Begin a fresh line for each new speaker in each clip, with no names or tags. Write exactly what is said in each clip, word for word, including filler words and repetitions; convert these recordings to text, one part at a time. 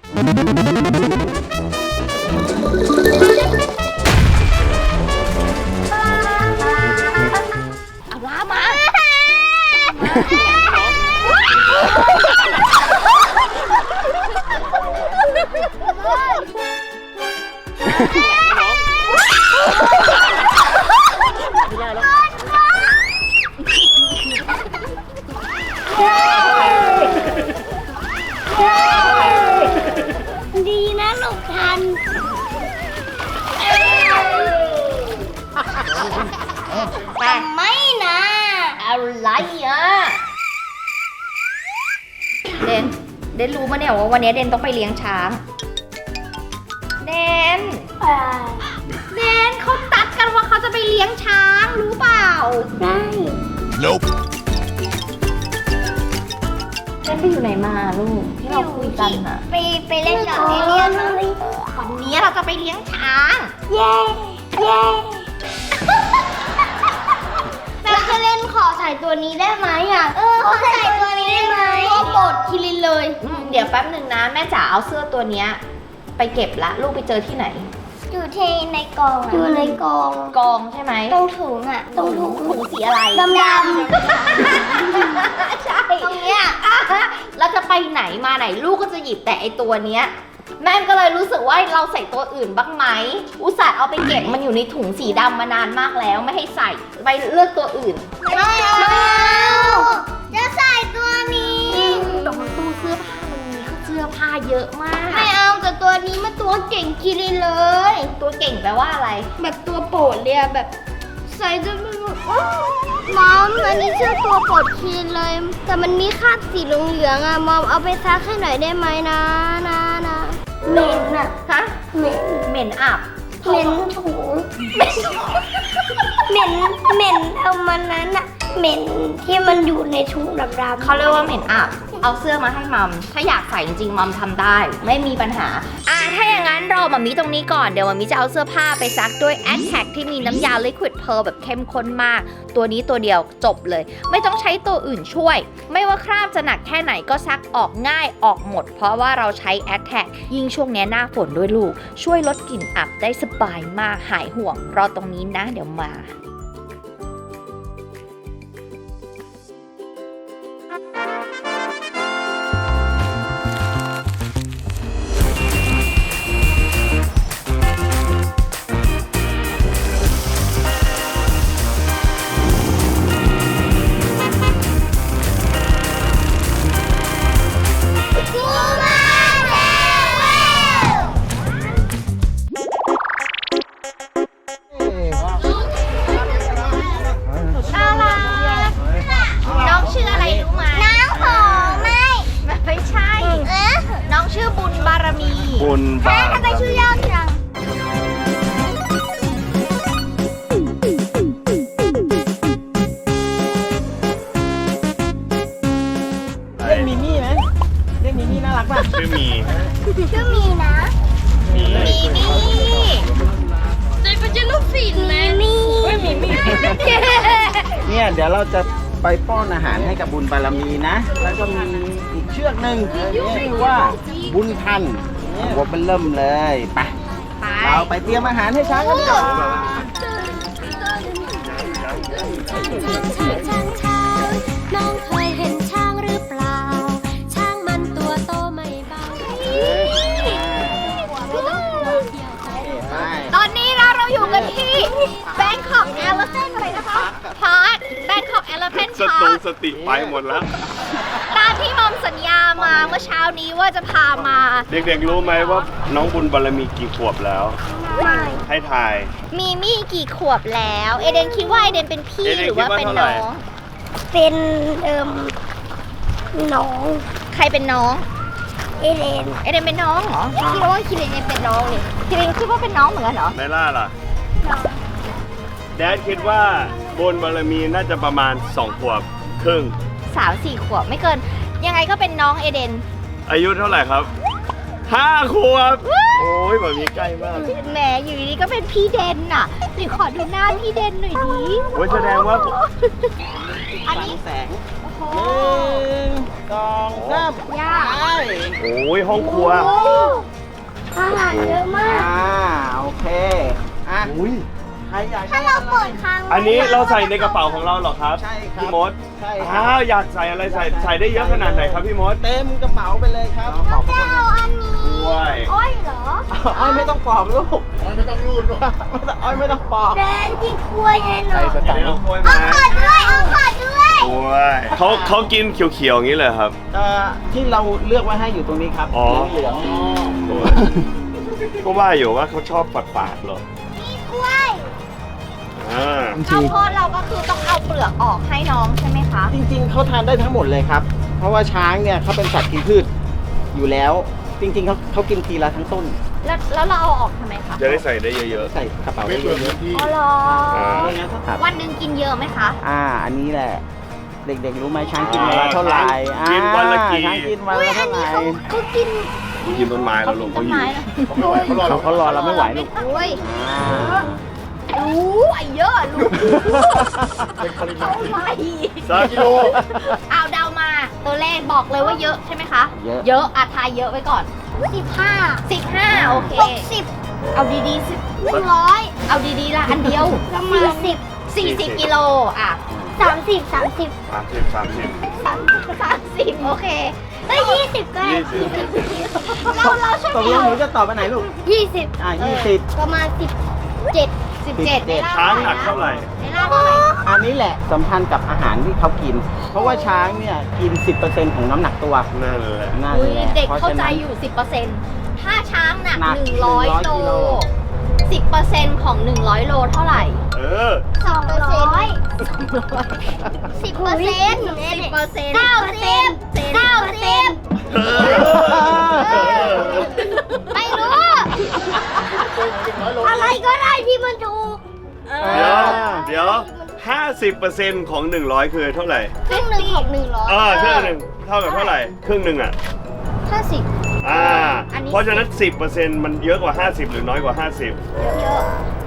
เอาล้ามา
ดีนะหลบทันแต่ไม่นะอะไรอ่ะ
เดนเดนรู้มาเนี่ยว่าวันนี้เดนต้องไปเลี้ยงช้างเดนเดนเขาตัดกันว่าเขาจะไปเลี้ยงช้างรู้เปล่า
ได้
Nope
เดนไปอยู่ไหนมาลูกที่เราคุยกันอะ
ไปไปเล่นกับเอเลี่ยนเลย
วันนี้เราจะไปเลี้ยงช้าง
เย้เย้เราจะเล่นขอใส่ตัวนี้ได้ไหมอ่ะเออขอใส่ตัวนี้ได้ไหมตัวโปรดคิรินเลย
อืมเดี๋ยวแป๊บหนึ่งนะแม่จ๋าเอาเสื้อตัวเนี้ยไปเก็บละลูกไปเจอที่ไหน
อยู่ที่ในกองอยู่ในกอง
กองใช่ไหม
ตรงถุงอ่ะตรงถุง
ถุงสีอะไร
ดำดำ
ใช่
ตรงเนี้ย
เราจะไปไหนมาไหนลูกก็จะหยิบแต่ไอตัวเนี้ยแม่ก็เลยรู้สึกว่าเราใส่ตัวอื่นบ้างไหมอุตส่าห์เอาไปเก็บมันอยู่ในถุงสีดำมานานมากแล้วไม่ให้ใส่ไปเลือกตัวอื่น
ไม่เอาจะใส่ตัวนี้
ตรงตู้เสื้อผ้ามันมีเสื้อผ้าเยอะมาก
ไม่เอาแต่ตัวนี้มันตัวเก่งคิรินเลย
ตัวเก่งแปลว่าอะไร
แบบตัวโปรดเลยอะแบบใส่จนมันแบบอ้าวมอมอันนี้ชื่อตัวโปรดคิรินเลย แต่มันมีคราบสีเหลืองๆอะมอมเอาไปซักให้หน่อยได้ไหมนะนะนะเหม็นอะ
ฮะ
เหม็น
เหม็นอับ
เหม็นถุงเหม็นเหม็นเอามันนั้นอะเหม็นที่มันอยู่ในถุงดำๆ
เขาเรียกว่าเหม็นอับเอาเสื้อมาให้มัมถ้าอยากใส่จริงๆมัมทำได้ไม่มีปัญหาอ่ะถ้าอย่างนั้นรอมัมมี่ตรงนี้ก่อนเดี๋ยวมัมมี่จะเอาเสื้อผ้าไปซักด้วย แอทแทค ที่มีน้ำยา Liquid Pearl แบบเข้มข้นมากตัวนี้ตัวเดียวจบเลยไม่ต้องใช้ตัวอื่นช่วยไม่ว่าคราบจะหนักแค่ไหนก็ซักออกง่ายออกหมดเพราะว่าเราใช้ แอทแทค ยิ่งช่วงนี้หน้าฝนด้วยลูกช่วยลดกลิ่นอับได้สบายมากหายห่วงรอตรงนี้นะเดี๋ยวมาน้องชื่ออะไรรู้ไหมน้องหอมไม่ไม่ใช่เอ๊ะน้องชื่อบุญบารมี
บุญบารมี
ทำไมชื่อยาวจัง
เรียกมิมี่ไหมเรียกมิมี่น่ารักป่ะ
ชื่อมี
ชื่อมีนะ
มี
มีมี่
ใจเป็นจะลูกศิษย์ไหมมีมีมี
เนี่ยเดี๋ยวเราจะไปป้อนอาหารให้กับบุญบารมีนะ แล้วก็มีอีกเชือกหนึ่งชื่อว่าบุญทันวัวเป็นเริ่มเลยไป
ไป
เราไปเตรียมอาหารให้ช้างกันดีกว่า
น้องเคยเห็นช้างหรือเปล่า ช้างมันตัวโตไม่เบา
ไป
ตอนนี้เราเราอยู่กันที่ Bangkok Elephant อะไรนะคะ Park Bangkok Elephant
สตู
Park
สติไปหมดแล้ว
ตามที่มอมสัญญามาเมื่อเช้านี้ว่าจะพามา
เด็กๆรู้ไหมว่าน้องบุญบารมีกี่ขวบแล้ว ให้ทาย
มีมี่กี่ขวบแล้ว เอเดนคิดว่าเอเดนเป็นพี่
เอเดน
หรือว่า
คิดว่า
เป็น
เท่าไหร่
น้อง
เป็นเอิมน้อง
ใครเป็นน้อง
เอเลน
เอเดนเป็นน้องเหรอคิดว่าคิรินเป็นน้องเลยคิรินคิดว่าเป็นน้องเหมือนกันเหรอ
ไนล่าล่ะแดดคิดว่าบุญบารมีน่าจะประมาณสองขวบครึ่ง
สามสี่ขวบไม่เกิน ยังไงก็เป็นน้องเอเดน
อายุเท่าไหร่ครับห้าขวบ โอ้ยแบบนี้ใกล้มาก
แหมอยู่ดีๆก็เป็นพี่เดนน่ะหรือขอดูหน้าพี่เดนหน่อยดิ
โอ้ยแสดงว่า
อันนี้
แสง
โอ้โห
หนึ่งสองสาม
ยาก
ไป
โอ้ยห้องครัว
โอ้อาหารเยอะมาก
อ่าโอเคอ่ะ
อุ้ย
ใครอยาก
ถ้าเราเปิดค้างไว้
อันนี้เราใส่ในกระเป๋าของเราเหรอครับ
ใช่ครับ
พี่มด
ใช่ครั
อ้าวอยากใส่อะไรใส่ใส่ได้เยอะขนาดไหนครับพี่มด
เต็มกระเป๋าไปเลยครับ
เราจะเอาอันนี้
ด้วย
อ้อยเหรอ
อ้อยไม่ต้องปอกลูกอ้อยไม่ต้องรูดอ้อยไม่ต้องปอก
แดนกินกล้วยแน่นอน
เดี๋ยวน้องกล้วย
เอา
มา
ขอด้วย เอาขอด้วย
กล้วยเขาเขากินเขียวๆอย่างนี้เลยครับ
เอ่อที่เราเลือกไว้ให้อยู่ตรงนี้ครับ
อ๋อ
เหลือง
ก็ว่าอยู่ว่าเขาชอบฝาดๆเหรอ
มีกล้วย
อ่า
ข้าวโพดเราก็คือต้องเอาเปลือกออกให้น้องใช่ไหมคะ
จริงๆเขาทานได้ทั้งหมดเลยครับ เพราะว่าช้างเนี่ยเขาเป็นสัตว์กินพืชอยู่แล้ว จริงๆเขาเขากินทีละทั้งต้น
แล้วแล้วเราเอาออกทำไมคะ
จะได้ใส่ได้เยอะ
ใส่กระเป๋าได้เยอะ
อ๋อเหรอ
อ่า
ๆครับ
วันหนึ่งกินเยอะไหมคะ
อ่า อันนี้แหละ เด็กๆรู้ไหมช้างกินวันละเท่าไหร่
ช้างกินวันละกี่
อ่าช้างกินวัน
อุ้ย
ละ
อั
เท่าน ไห
นี้
ร่
เขาเขากิน
ๆกินต้นไม้แล้วลง
ต้
เขา
น
อยู่
ไม้เหรอ
เขาเขารอเราไม่ไหวลูก
โอ้ย
อ่า
รู้ไอ้เยอะรู้เท่าไหร่
สามกิโล
เอาเดามาตัวเลขบอกเลยว่าเยอะใช่ไหมคะ
เยอะ
เยอะอะทายเยอะไว้ก่อน
สิบห้า
สิบห้าโอเค
หกสิบ
เอาดีๆสิ
หนึ่งร้อย
เอาดีๆละอันเดียว
สี่สิบ
สี่สิบกิโลอ่ะ
สามสิบสามสิบ
สามสิบสามสิบ
สาม
สามสิบโอเค
เอ้ยยี่สิบก็ได้
ยี่สิบ
เราเราช่วย
ตกลงหนูจะตอบอันไหนลูก
ยี่สิบ
อ่ายี่สิบ
ประมาณสิบเจ็ด
สิบเจ็ด
สิบเจ็ด
ช้างหนักเท่าไหร่
ในล่าเท่าไหร่
อันนี้แหละสัมพันธ์กับอาหารที่เขากิน เพราะว่าช้างเนี่ยกิน สิบเปอร์เซ็นต์ ของน้ำหนักตัว
นั่นแหละ
นั่น
อุ้ย
แหละ
เด็ก
พระ
เข้า
ฉะ
ใจ
นั้น
อยู่ สิบเปอร์เซ็นต์ ถ้าช้างหนัก
หนัก
หนึ่งร้อย
หนึ่งร้อย
โล
กิโล
สิบเปอร์เซ็นต์ ของหนึ่งร้อยโลเท่าไหร่
เออ
สองร้อยสิบเปอร์เซ็นต์
สิบเปอร์เซ็นต์
เก้าสิบเก้าสิบ
เออ
ไม่รู้ อะไรก็ได้ที่มันถูก
เดี๋ยว เดี๋ยวห้าสิบเปอร์เซ็นต์ของหนึ่งร้อยคือเท่าไหร่
ครึ่งหนึ่งของหนึ่งร้อย
เออครึ่งหนึ่งเท่ากับเท่าไหร่ ครึ่งหนึ่งอ่ะ
ห้าสิบ
อ่า เพราะฉะนั้น สิบเปอร์เซ็นต์ มันเยอะกว่า ห้าสิบ หรือน้อยกว่า ห้าสิบ
เยอะ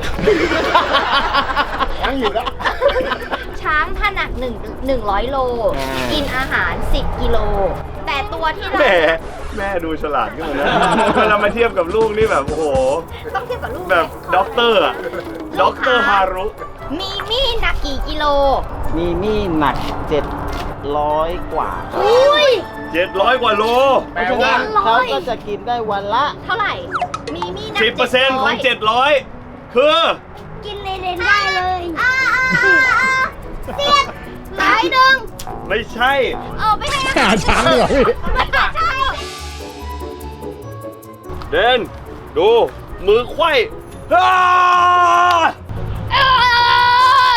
ยังอยู่แล้ว
ช้างถ้าหนักหนึ่งหนึ่งร้อยโล
อ่ากิ
กินอาหารสิบกิโล แต่ตัวที่
แหม
เรา
แม่ดูฉลาดขึ้นมานะเวลามาเทียบกับลูกนี่แบบ โอ้โห
ต้องเทียบกับลูก
แบบด็อกเตอร์อะด็อกเตอร์ฮารุ
มีมี่หนักกี่กิโล
มีนี่หนักเจ็ดร้อยกว่าครับ
อุ้ย
เจ็ดร้อยกว่าโล
เพราะฉะนั้นเขาก็จะกินได้วันละ
เท่าไหร่ มีมี่หนัก
สิบเปอร์เซ็นต์ของ
เจ็ดร้อย
เจ็ดร้อยคือ
กินเลนๆได้เลยอ่าอ่าอ่าเสียดหลายหนึ่ง
ไม่ใช่
เอาไปให้อาหารช้างเหรอพี่ไม่ใช่
เดนดู มือไขว้อ้า
เออ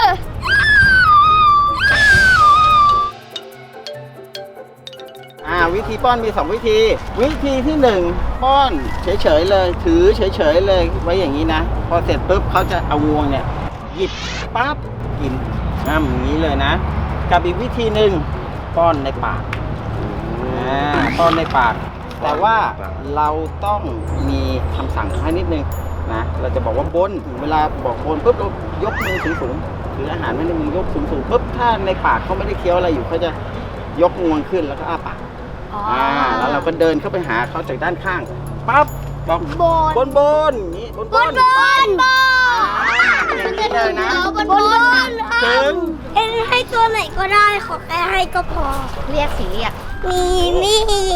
อ่าวิธีป้อนมีสองวิธี วิธีที่หนึ่งป้อนเฉยๆเลย ถือเฉยๆเลยไว้อย่างนี้นะ พอเสร็จปุ๊บเขาจะเอางวงเนี่ย หยิบปั๊บกินง่ำอย่างนี้เลยนะ กับอีกวิธีหนึ่งป้อนในปากอ่าป้อนในปาก แต่ว่าเราต้องมีคำสั่งให้นิดนึงนะเราจะบอกว่าบนเวลาบอกบนปุ๊บเรายกมือสูงๆถืออาหารไว้ในมือยกสูงๆปุ๊บถ้าในปากเขาไม่ได้เคี้ยวอะไรอยู่เขาจะยกงวงขึ้นแล้วก็อ้าปาก
อ๋อ
อ่าแล้วเราก็เดินเข้าไปหาเขาจากด้านข้างปั๊บบอก
บน
บนบนอย่างนี้บน
บบ น
น
บนบ
อย่าง
น
นี้เลยนะ
บนบน
ถึง
เอ็นให้ตัวไหนก็ได้ขอแค่ให้ก็พอ
เรียกสิเรียก
มีมี่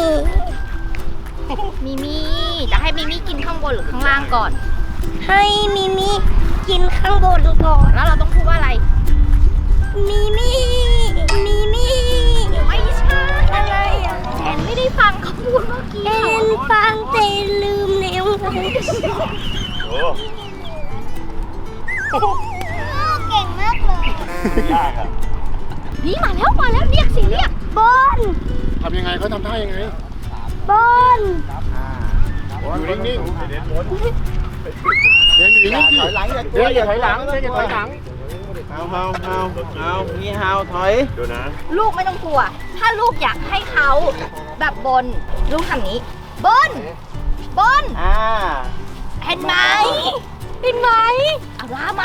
มิมี่จะให้มิมี่กินข้างบนหรือข้างล่างก่อน
ให้มิมี่กินข้างบนก่อน
แล้วเราต้องพูดว่าอะไร
มิมี่มิมี่
ไม่ใช่
อะไรอ่ะ
แอนไม่ได้ฟังเขาพูดเมื่อกี้
เอ็นฟังแต่ลืมแล้ว
โอ้
เก่งมากเลย
ยากอ่ะ
นี่มาแล้วมาแล้วเรียกสิเรียก
บน
ทำยังไงเขาทำท่ายังไง
บน
อยู่นิ่งๆเดินอยู่นิ่ง
ถอยหลังอย่า
ๆเดินอย่าถอยหลังเดินอย่าถอยหลัง
เฮาเฮาเฮาเฮามีเฮาถอย
ดูนะ
ลูกไม่ต้องกลัว ถ้าลูกอยากให้เขาแบบบน ลูกทำนี้ บนบน
อ่า
เห็นไหมเห็นไหมเอาลามา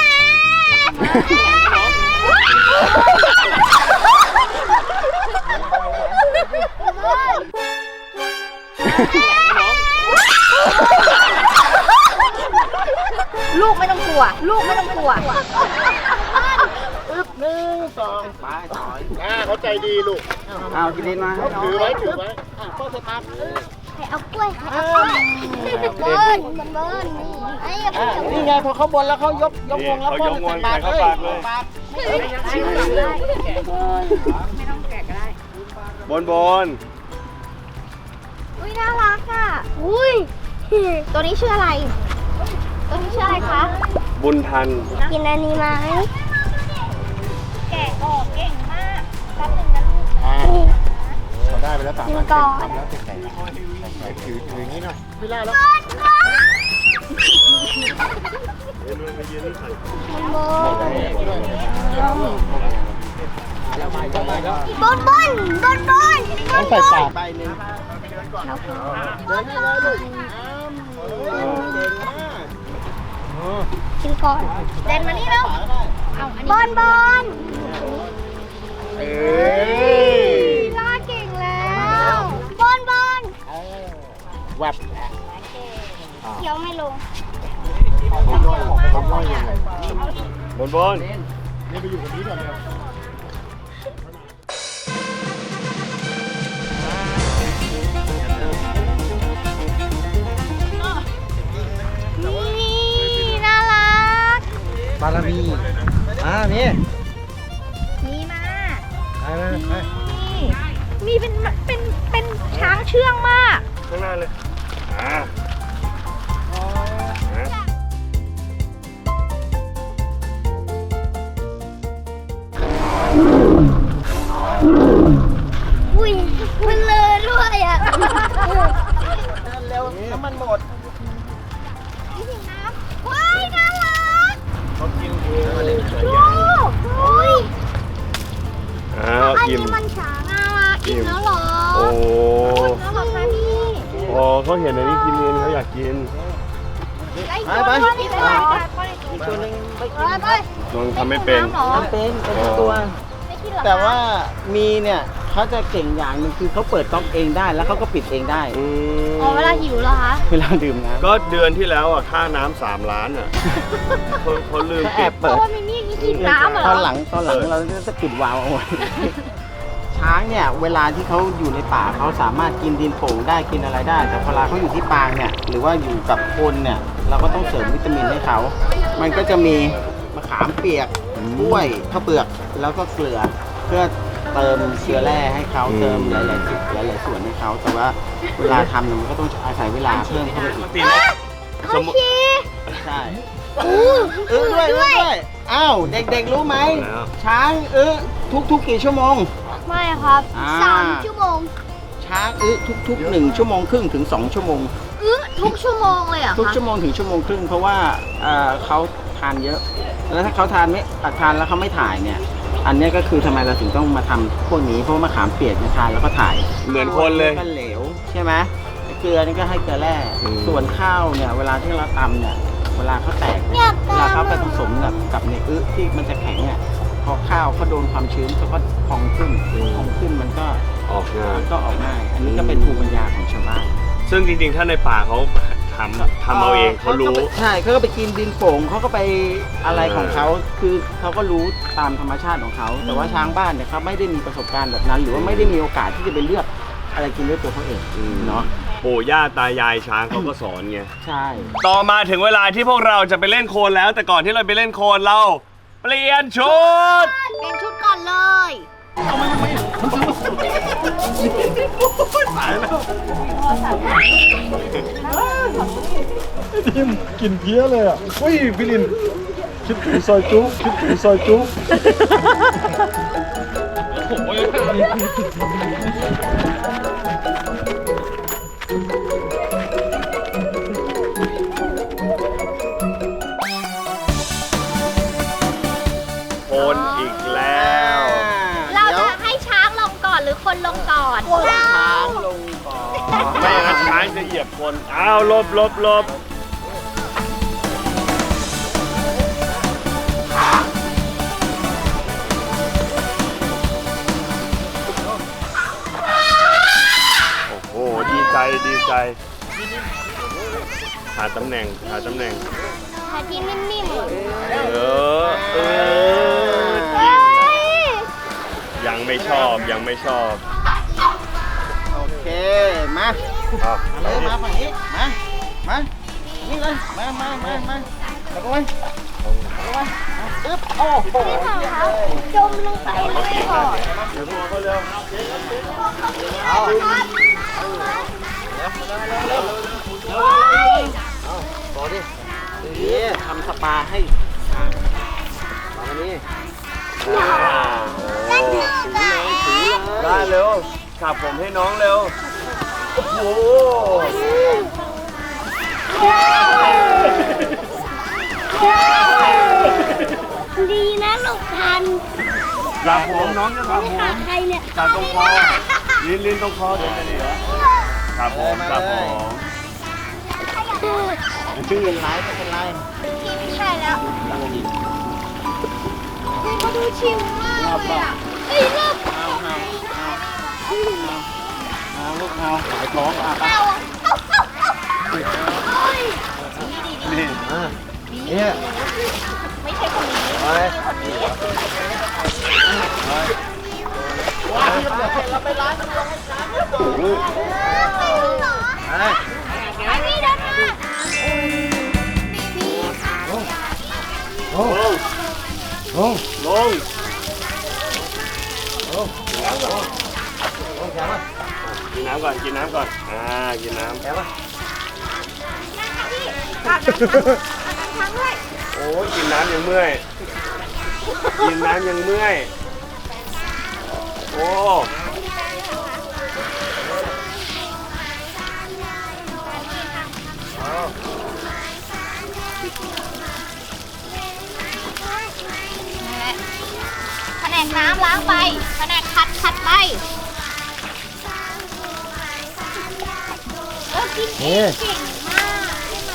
ลูกไม่ต้องกลัว ลูกไม่ต้องกลัว
ปึ๊บหนึ่งสองไปถอย
อ่าเขาใจดีลูก
เอากินดินมาให้น้อง
ถือไว้ถือไว้
อ่ะพ่อสตาร์ท
ใครเอากล้วยใครเอากล้วยเบิ้ลมันเบิ้ลนี่ไอ้อย่าไป
อ่ะ
จับ
นี่ไงพอเขาบนแล้วเขายกยกวงแล้ว
เขา
พ่อย
กวง
ใส่ปาก
ใส่
เลย
เข้าปากเลย
ปาก
บนบน
อุ้ยน่ารักอ่ะอุ้ยตัวนี้ชื่ออะไร ตัวนี้ชื่ออะไรคะ
บุญทัน
กินอันนี้ไหม
แกะออกเก่งมากแป๊บนึงนะลูก
อ่าเขาได้ไปแล้วสาม
กิน
พัน
ก่อน
ทำแล้วแข็งๆแข็งๆถือถืออย่างนี้หน่อยไม่ได้แล้ว
บนบนบนบน
ต้องใส่ปากใบหนึ่งเดินให้เลยลูกอ้ามเก่งมาก
กินก่อน
เดนมานี่แล้ว
บนบน
เอ้ย
ลาเก่งแล้วบนบน
แวบ
เขียวไม่ลง
เขาย่อยเขาย่อยยังไง
บนบน
นี่ไปอยู่กับนี้ก่อนเลย
นี่น่ารัก
บารมีอ่านี่
มีมา
ไปไปไป
นี่มีเป็นเป็นเป็นช้างเชื่องมาก
ข้างหน้าเลย อ่า
อุ้ยมันเลยด้วยอ่ะ
เดินเร็วน้ำมันหมด
ว้ายน่ารัก
เขากินเอง
ลูกอุ้ย
อ้าว
อัน
อิ่ม
นี้มันช้างน่ารักอิ่มแล้วเหรอ
โอ้
น่ารักนะพี่
พอเขาเห็นอันนี้กินเองเขาอยากกิน
ไปไป
ไปไปไป
อีกตัวหนึงไม่กิ
ไป
น
ไป
ลองทำไม่เป็น
ทำเป็นเป็นทุกตัว
ไม่กินหรอ
แต่ว่ามีเนี่ยเขาจะเก่งอย่างหนึงคือเขาเปิดก๊อกเองได้แล้วเขาก็ปิดเองได้
อืม
อ๋อเวลาหิวเหรอคะ
เวลาดื่มน้ำ
ก็เดือนที่แล้วอ่ะค่าน้ำสามล้านอ่ะเขาเขาลืม
เขาแอ
ปิด
บ
เพ
เปิด
ราะว่ามิมี่นี่กินน้ำเหรอ
ตอนหลังตอนหลังเราจะปิดวาล์วเอาไว้ ช้างเนี่ยเวลาที่เขาอยู่ในป่าเขาสามารถกินดินโป่งได้กินอะไรได้ แต่เวลาเขาอยู่ที่ปางเนี่ยหรือว่าอยู่กับคนเนี่ยเราก็ต้องเสริมวิตามินให้เขา มันก็จะมีมะขามเปียกกล้วยข้าวเปลือกแล้วก็เกลือเพื่อเติมเชื้อแร่ให้เขาเติมหลายๆจุดหลายๆส่วนให้เขาแต่ว่าเวลาทำเนี่ยมันก็ต้องอาศัยเวลาเพิ่มเข้าไปอีก
สมมุติ
ใช่เออด้วยด้วยด้วยอ้าวเด็กๆรู้ไหม
แล้ว
ช้างเออทุกๆกี่ชั่วโมง
ไม่ครับ
อ่า
สามชั่วโมง
ช้างอึทุกๆหนึ่งชั่วโมงครึ่งถึงสองชั่วโมง
อื้อทุกชั่วโมงเลยเหรอ่ะ
ทุก
คะ
ชั่วโมงถึงชั่วโมงครึ่งเพราะว่าเอ่อเขาทานเยอะ แล้วถ้าเขาทานไม่อ่ะทานแล้วเขาไม่ถ่ายเนี่ย อันเนี้ยก็คือทำไมเราถึงต้องมาทำพวกนี้เพราะว่ามะขามเปียกเนี่ยทานแล้วก็ถ่าย
เหมือนคนเลย
ก็เหลวใช่ไหมเกลือนี่ก็ให้เกลือแร่
อืม
ส่วนข้าวเนี่ยเวลาที่เราตำเนี่ยเวลาเขาแตก
อ
เนี่ย
ยาก
เวลาเขา
ตาม
ไปผสมกับกับในอึที่มันจะแข็งเนี่ยพอข้าวเขาโดนความชื้นเขาก็พองขึ้นพองขึ้นมันก็
ออกงาน
มันก็ออกง่าย อันนี้ก็เป็นภูมิปัญญาของชาวบ้าน
ซึ่งจริงๆ ถ้าในป่าเขาทำทำเอาเองเขารู้
ก็ไปใช่เขาก็ไปกินดินโป่งเขาก็ไปอะไรของเขาคือเขาก็รู้ตามธรรมชาติของเขา แต่ว่าช้างบ้านเนี่ยเขาไม่ได้มีประสบการณ์แบบนั้น หรือว่าไม่ได้มีโอกาสที่จะไปเลือกอะไรกินด้วยตัวเขาเอง
อืม
เนาะ
ปู่ย่าตายายช้างเขาก็สอนไง
ใช่
ต่อมาถึงเวลาที่พวกเราจะไปเล่นโคลนแล้ว แต่ก่อนที่เราไปเล่นโคลนเรา เปลี่ยนชุด
เปลี่ยนชุดก่อนเลย
ทิมกินเพี้ยเลยอ่ะเฮ้ยพี่ลินคิดถึงซอยจุ๊คิดถึงซอยจุ๊
โคลนอีกแล้ว
เราจะให้ช้างลงก่อนหรือคนลงก่อน
ช้างลงก่อน
ไม่อย่างนั้นว่าช้างจะเหยียบคนอ้าวหลบหลบหลบโอ้โหดีใจดีใจหาตำแหน่งหาตำแหน่ง
หาที่นิ่มๆ
เออเออ
เฮ้ย
ยังไม่ชอบยังไม่ชอบ
โอเค มา
เอา
มาเลยมาฝั่งนี้ มา มา นี่เลย มา มา มา มาแล้วก็ไว้แล้วก็ไว้ปึ๊บ โอ้โห
พี่ของเขาจมลงไปเลยค่ะ
เดี๋ยวพวกเขาเร็ว
เอา ต่อดินี่ทำสปาให้มาวันนี้
นั่นคือไง
ได้เร็วขับผมให้น้องเร็ว โอ้โห
ดีนะหลบทัน
ขับผมน้องจะขับ
ไม่
ผม
ขาดใครเนี่ย
จับตรงคอลิ้นลิ้นตรงคอเดินจะดีเหรอขับผมขับผม
ชื่อไรไม่เป็นไร
พี่ไม่ใช่แล้วพี่เขาดูชิวมากเลยอ่ะเอ้ยเลิก
เอาเอาเอาเอาลูกเอาหายท้องอ่ะไป
เอาอ่ะเอาเอาเอาเฮ้ย
นี่
อ่ะเนี่ย
ไม่ใช่คนนี้
ไปว้าวเราไปร้านมันลงให้ช้างแล้วบอกไป
ไอ้นี่เดินมา
ลงลงลงกินน้ำก่อนกินน้ำก่อนอ่ากินน้ำ
แกวะ
โอ้ยกินน้ำยังเมื่อย กินน้ำยังเมื่อย โอ้
แผนกน้ำล้างไปแผนกขัดขัดไปเออกินเองเก่งมาก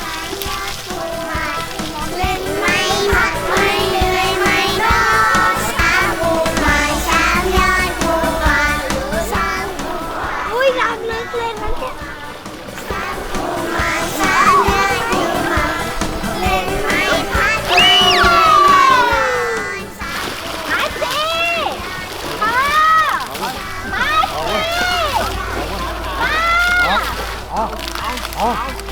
เล่นไม่หักไม่เหนื่อยไม่ท้อช้างผูกมาช้างย้อนผูกมาช้างอุ้ยรักลึกเลยนะเนี่ยช้างผูกมาช้างย้อนผูกมาเล่นไม่พักไม่เหนื่อยไม่ท้อมาสิพ่อมาสิมา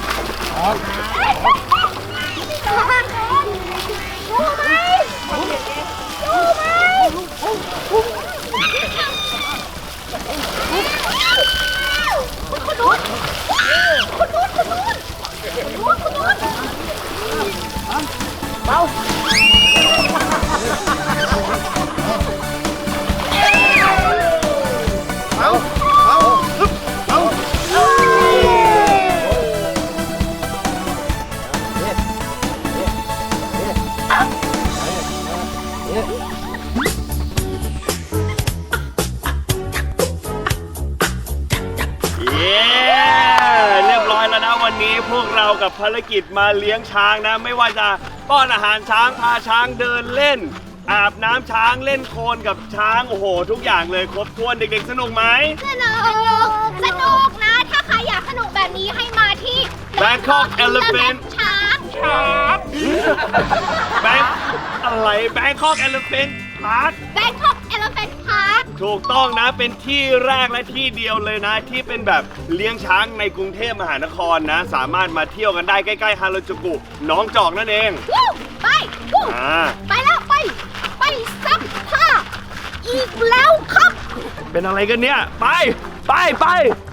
เอาเอาฮึบเอาเนี่ยเนี่ยเนี่ย
เย้เรียบร้อยแล้วนะวันนี้พวกเรากับภารกิจมาเลี้ยงช้างนะ ไม่ว่าจะป้อนอาหารช้างพาช้างเดินเล่น อาบน้ำช้างเล่นโคลนกับช้างโอ้โห ทุกอย่างเลยครบถ้วนเด็กๆสนุกไหม
สนุกสนุกนะ ถ้าใครอยากสนุกแบบนี้ให้มาที่
Bangkok Elephant
ช้างช้าง
แบงอะไร Bangkok Elephant Park
Bangkok Elephant Park
ถูกต้องนะเป็นที่แรกและที่เดียวเลยนะ ที่เป็นแบบเลี้ยงช้างในกรุงเทพมหานครนะ สามารถมาเที่ยวกันได้ใกล้ๆฮาราจูกุหนองจอกนั่นเอง
วู้ไปวู้
อ่า
ไปแล้วไป ไปซักผ้าอีกแล้วครับ
เป็นอะไรกันเนี่ย ไป ไปไป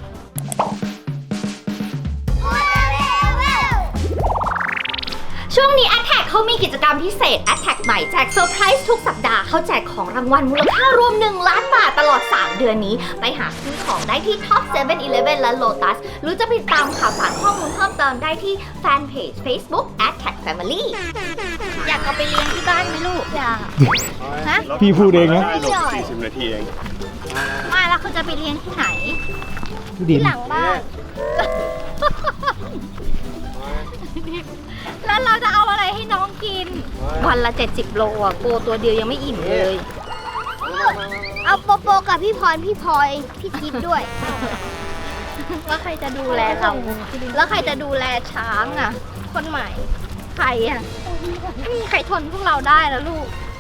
ช่วงนี้ Attack เขามีกิจกรรมพิเศษ Attack ใหม่แจกเซอร์ไพรส์ทุกสัปดาห์เขาแจกของรางวัลมูลค่ารวมหนึ่งล้านบาทตลอด สาม เดือนนี้ ไปหาซื้อของได้ที่ Top เซเว่น อีเลฟเว่น และ Lotus หรือจะไปตามข่าวสารข้อมูลเพิ่มเติมได้ที่แฟนเพจ Facebook Attack Family อยากเอาไปเลี้ยงที่บ้านไหมลูก อยาก ฮะ
พี่พูดเองนะ
ได้หลบสี่สิบนาทีเอง
มาแล้วเขาจะไปเลี้ยงที่ไหน
ดิน
หลังบ้าน
แล้วเราจะเอาอะไรให้น้องกิน วันละเจ็ดสิบโลอ่ะโกตัวเดียวยังไม่อิ่มเลย
เอาโปโปกับพี่พรพี่พลอยพี่ทิพย์ด้วย
แล้วใครจะดูแลเรา แล้วใครจะดูแลช้างอ่ะ คนใหม่ ใครอ่ะไม่มีใครทนพวกเราได้แล้วลูก